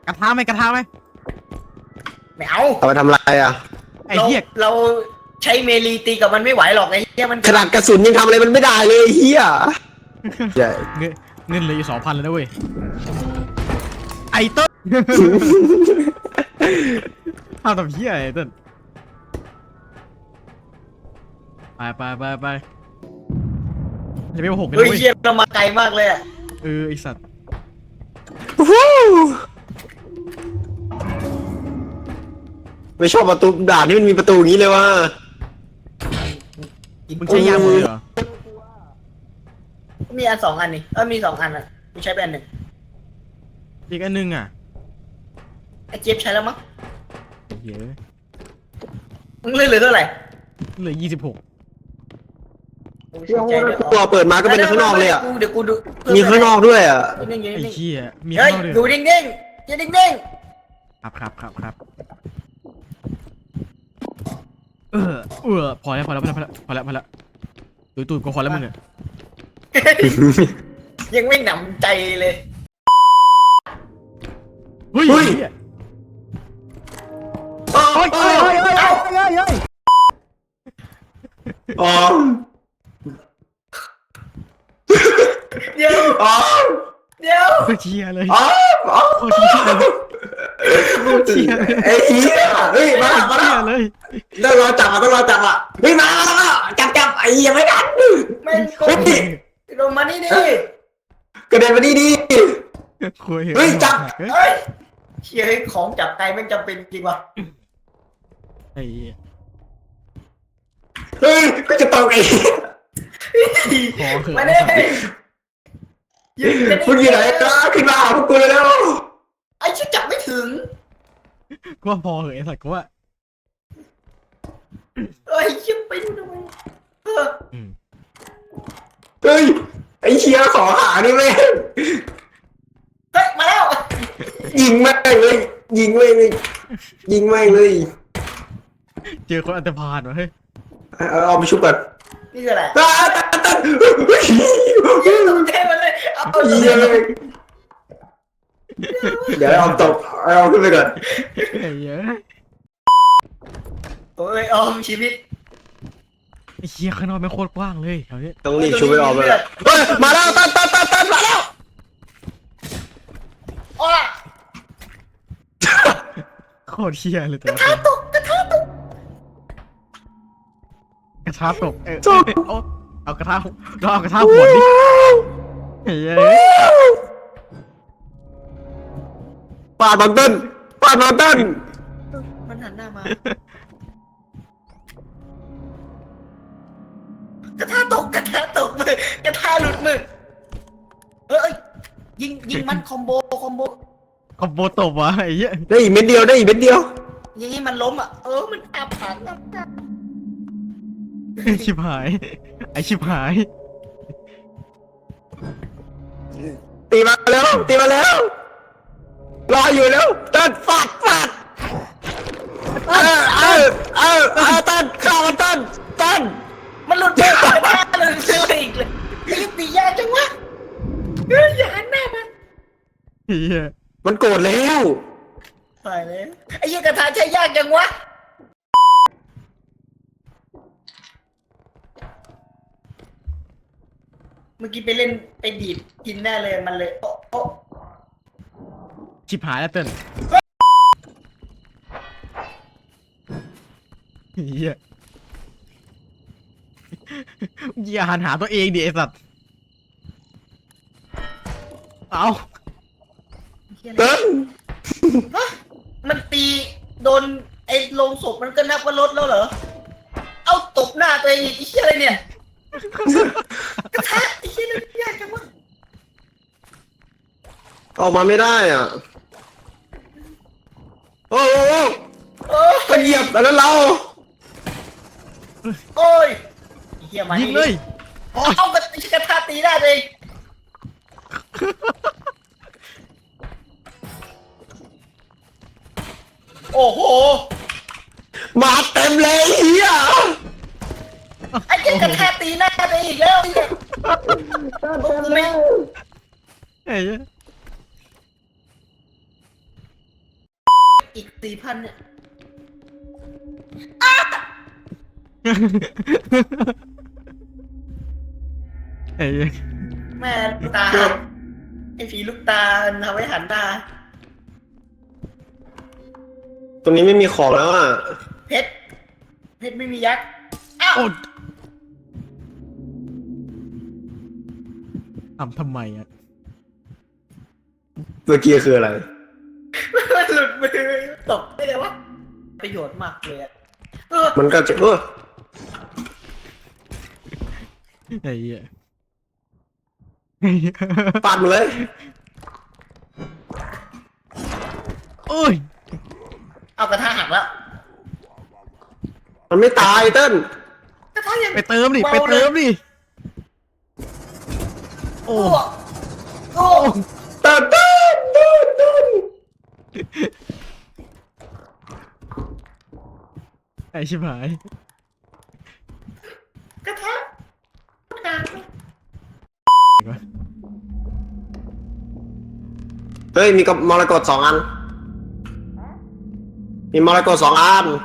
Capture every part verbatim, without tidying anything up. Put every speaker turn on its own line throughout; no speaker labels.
กระทะไหมกระทะไหม
ไม่เอา
เอาไปทำอะไรอ่ะ
ไอ้เหี้ย
เราใช้เมลีตีกับมันไม่ไหวหรอกไอ้เหี้ยมัน
ขนาดกระสุนยังทำอะไรมันไม่ได้เลยเฮียใช่
เงินเงินเหลืออยู่สองพันแล้วนะเว้ยไอ้เต้นทำทำเหี้ยไอ้เต้นไปไปไปไปจะไม่มาหกกัน
เฮ้ย
เว้ย
เหี้ยเรามาไกลมากเลยอะ
เออไอสัตว์
ไม่ชอบประตูด่านที่มันมีประตูอย่างนี้เลยว่ะ
มึงใช้ยางหมดเลยเหรอ
มีอันสองอันนี่เออมีสองอันอ่ะกูใช้ไปอันหนึ่ง
อีกอันนึงอ่ะ
ไอ้เจี๊ยบใช้แล้วมั้ง
เยอะ
มึงเหลือเท่าไหร่
เหลือยี่สิบหก
ตัวเปิดมาก็เป็นข้างนอกเลยอ่ะ
เดี๋ยวกูดู
มีข้างนอกด้วยอ่ะ
นิ่งๆ
ไอ้
นิ่ง
เหี้ยมี
ๆเฮ้ย
ข้าวด้วย
อยู่นิ่งๆอยู่นิ่ง
ครับครับครับครับเออเออพอแล้วพอแล้วพอแล้วพอแล้วพอแล้วตุยตุยก็พอแล้วมึงเนี่ย
ๆยังไม่หนำใจเลย
เฮ้ย
เฮ้ย
โอ้ยโอ้ยโอ้ยโอ้ย
อ๋อ
เดี๋ยว
อ๋อ
เดี๋ยว
โคตรเชียเลย
อ๋ออ๋อ
โคตรเชียเลยโคตรเชียเลย
ไอ้เหี้ยเฮ้ยมามา
เชี
แล้ว
ยเลย
ต้องรอจับอ่ะต้องรอจับอ่ะเฮ้ยมาแล้วจับจับไอ้เหี้ยไม่ทัน
แม่งโกงลงมานี่ดิ
กระเด็นมาดีดี
คุย
เฮ้ยจับ
เฮ้ยเชี่ยให้ของจับไกลแม่งจำเป็นจริงวะ
ไอ้เหี้ย
เฮ้ยก็จะตกไอ้
พอเถอะ
มาดิยืน
มึงอยู่ไหนก็ขึ้นมาหาพวกกูเลยแล้ว
ไอ้ชิจับไม่ถึง
ก็พอเหอะไอ้สัตว์ก็ว่า
เอ้ยชิบไปดูทำไมเออ
อืม
เฮ้ยไอ้เชียขอหานี่แม่ง
เฮ้ยมาแล้ว
ยิงแม่งเลยยิงแม่งเลยยิงแม่งเลย
เจอคนอันตรพานวะเฮ้ย
เอาเอาไปชุบก่อน
นี่คืออะไร
ตาตาตา
ยืนตรงเทมันเลยเอา
เหี้ยเดี๋ยวเอาตกเอาขึ้นไปก่อน
ไอ้เหี้ย
โอ้ยออมชีวิต
ไอ้เหี้ยข้างนอกไม่โคตรกว้างเลยแถวนี้
ต้องรีบชุบไปออกเลยเฮ้ยมาแล้วตันตันตันตันมาแล้ว
อ้อ
โคตรเชี่ยเลยแต่
กระทะตกกระทะตก
กระทะตกเออเอาเอากระทะเราเอากระทะหัวดิไอ้เหี้ย
ปาดบางต้นปาดบางต้น
มันหันหน้ามา กระทะตกกระทะตกมือกระทะหลุดมือเอ้ยยิงยิงมันคอมโบคอมโบ
คอมโบตบวะไอ้เหี้ย
ได้อีกเม็ดเดียวได้อีกเม็ดเดียว
ยิงให้มันล้มอ่ะเออมันอับผันอับผัน
ชิบหายไอ้ชิบหาย
ตีมาแล้วตีมาแล้วรออยู่แล้วต้นฟาดฟาดเออเออเออเออต้นข้าวมันต้นต้น
มันหลุดมือกระทะเลยเจออีกเลยไอ้ตียากจังวะเฮ้ยอย่าหันหน้ามัน
ไอ้เหี้ย
มันโกรธแล้ว
ตายแล้วไอ้ยี่กระทะใช้ยากจังวะเมื่อกี้ไปเล่นไปดีดกินแน่เลยมันเลยโอ้โอ้
ชิบหายแล้วเติ้ลไอ้เหี้ยอย่าหันหาตัวเองดิไอ้สัตว์เอา
เติ้ล
ฮะมันตีโดนไอ้โลงศพมันก็นับว่าลดแล้วเหรอเอาตบหน้าตัวเองอีกไอ้เชี่ยอะไรเนี่ยกระทะไอ้เชี่ยนั่นยากจังวะ
ออกมาไม่ได้อ่ะโอ้โห
โอ้
ก็เหยียบแล้วเรา
โอ้ยไอ้เหี้ยมา
ยิงเลยโอ้ย
เอากระกระทะตีได้เลยโอ้โห
มาเต็มเลยเฮีย
ไอ้เจ้ากระทะตีหน้าไปอีกแล้วเนี่ยกูไม่
ไอ้เหี้ย
อีกสี่พันเนี่ย
ไอ้
แม่ลูกตาไอ้ผีลูกตาทำให้หันตา
ตรงนี้ไม่มีของแล้วอ่ะ
เพชรเพชรไม่มียักษ์อ้าว
โอ้ทำทำไมอ่ะ
เมื่อกี้คืออะไร
มันหลุดมือตกได้เลยวะประโยชน์มากเลยอะเออ
มันก็จะเออ
ไอ้เหี้ย
ปาดมาเลย
โอ้ย
เอากระทะหักแล้ว
มันไม่ตายเต้น
กระทะยัง
ไปเติมดิไปเติมดิโอ้
โอ้
เต้นเต้นเต้นเต้น
ไอ้ชิบหาย
กระทะหัก
เฮ้ยมีกับมรกตสองอัน มีมรกตสองอัน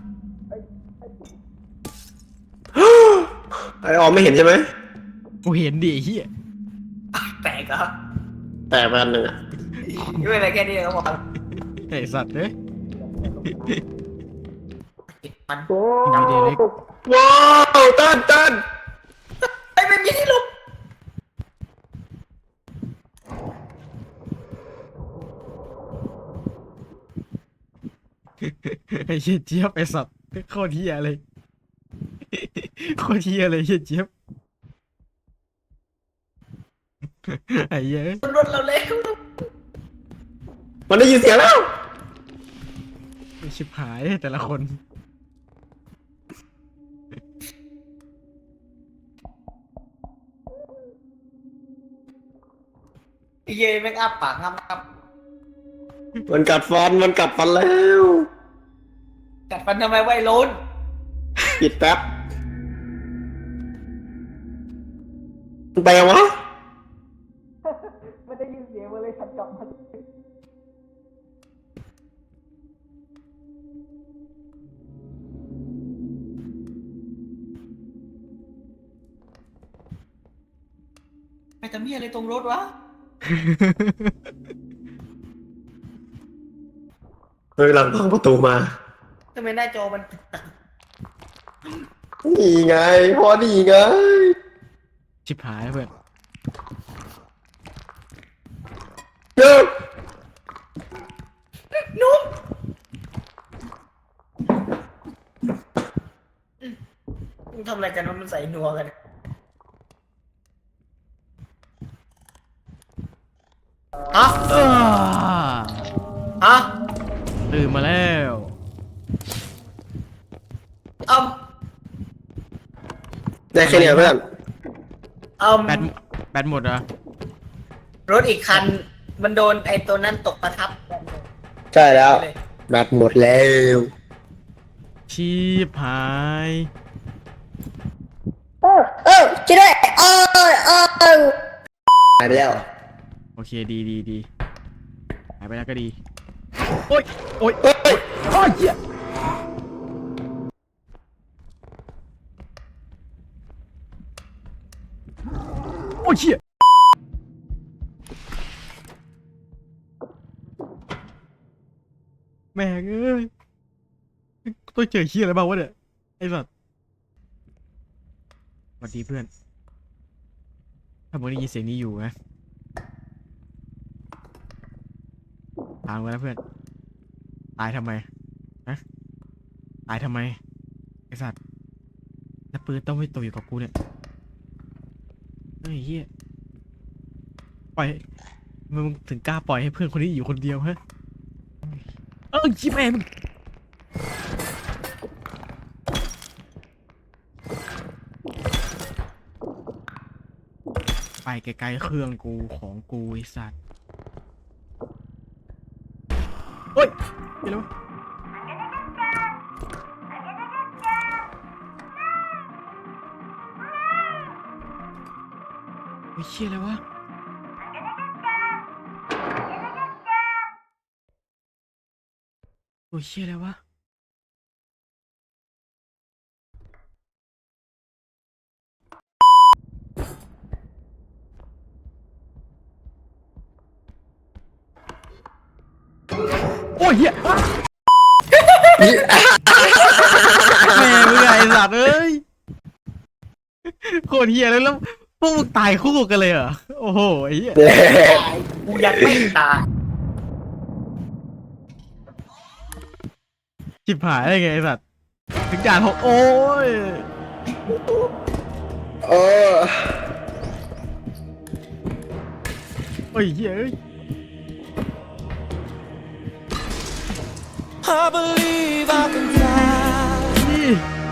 ไอออมไม่เห็นใช่ไหม
กูเห็นดิไอ้เหี้ย
แตกเหรอ
แต่ไปอันหนึ่งอ่ะ
ไม่เป็นไรแค่นี้ก็พอ
ไอ้สัตว์เอ้ย
มัน
มีเดเล็ก
ว้าวเต้นเต้น
ไอ้ไม่มีที่หลบ
ไอ้เหี้ยเจี๊ยบไอ้สัตว์โคตรเหี้ยเลยโคตรเหี้ยเลยเหี้ยเจี๊ยบไอ้เหี้ย
รถเราเล็ก
มันได้ยินเสียงแล้ว
ไอ้ชิบหายแต่ละคน
ไอ้เย่แม่งอ้าปากงามครับ
มันกัดฟัน มันกัดฟันแล้ว
กัดฟันทำไมไว้ล้น
ปิดแป๊บมันไปยังวะ
ไม่ได้ยินเสียงมาเลยฉันกลับมันไปทำเหี้ยอะไรตรงรถวะ
เฮ้ยหลังพังประตูมา
ทำไมหน้าจอมัน
นี่ไง พอนี่ไง
ชิบหายเพื่อน
เฮ้ย
นุ่มมึงทำอะไรกันวะมันใส่นัวกัน ฮะ
อ้า
ฮะ
ตื่นมาแล้ว
เอ้า
ได้แค่เนี้ยเพื่อน
เอ้า
แบตแบตหมดเหรอ
รถอีกคัน มันโดนไอ้ตัวนั้นตกประทับ
ใช่แล้ว แบตหมดแล้ว
ชีพหาย
เออเออช่วยด้วยเออเออเออ
หายไปแล้ว
โอเคดีดีดีหายไปแล้วก็ดี โอ๊ยโอ๊ย
เฮ้ย
โอ๊ยเหี้ยโอ๊ยเหี้ยแม่งเอ้ยต้องเจอเหี้ยอะไรบ้างวะเนี่ยไอ้สัสสวัสดีเพื่อน ถ้ามึงได้ยินเสียงนี้อยู่นะถามกันนะเพื่อน ตายทำไมฮะตายทำไม ไอ้สัตว์แล้วปืนต้องไม่ตกอยู่กับกูเนี่ยเฮ้ยเฮียปล่อยมึงถึงกล้าปล่อยให้เพื่อนคนนี้อยู่คนเดียวฮะ เออชิบแม่มึงไปไกลๆเครื่องกูของกูไอ้สัตว์เฮ้ยไปแล้วไอ้เชี่ยอะไรวะโอ้ยเชี่ยแล้ววะโอ้ยเฮียแม่มึงไงไอ้สัตว์เอ้ยโคตรเฮียเลยแล้วพวกมึงตายคู่กันเลยเหรอโอ้โหไอ้เหี้ย
กูยังไม่ตาย
จิบหายได้ไงไอ้สัตว์ถึงด่านหกโอ้ย
เออ
โอ้ยเฮ้ยเอ้ย
I believe I can fly.
นี่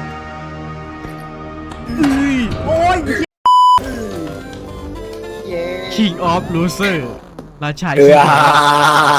อุ้ยโอ้ย
เย้
King of Loser ราชา
เอ
ขี้
อ
แพ้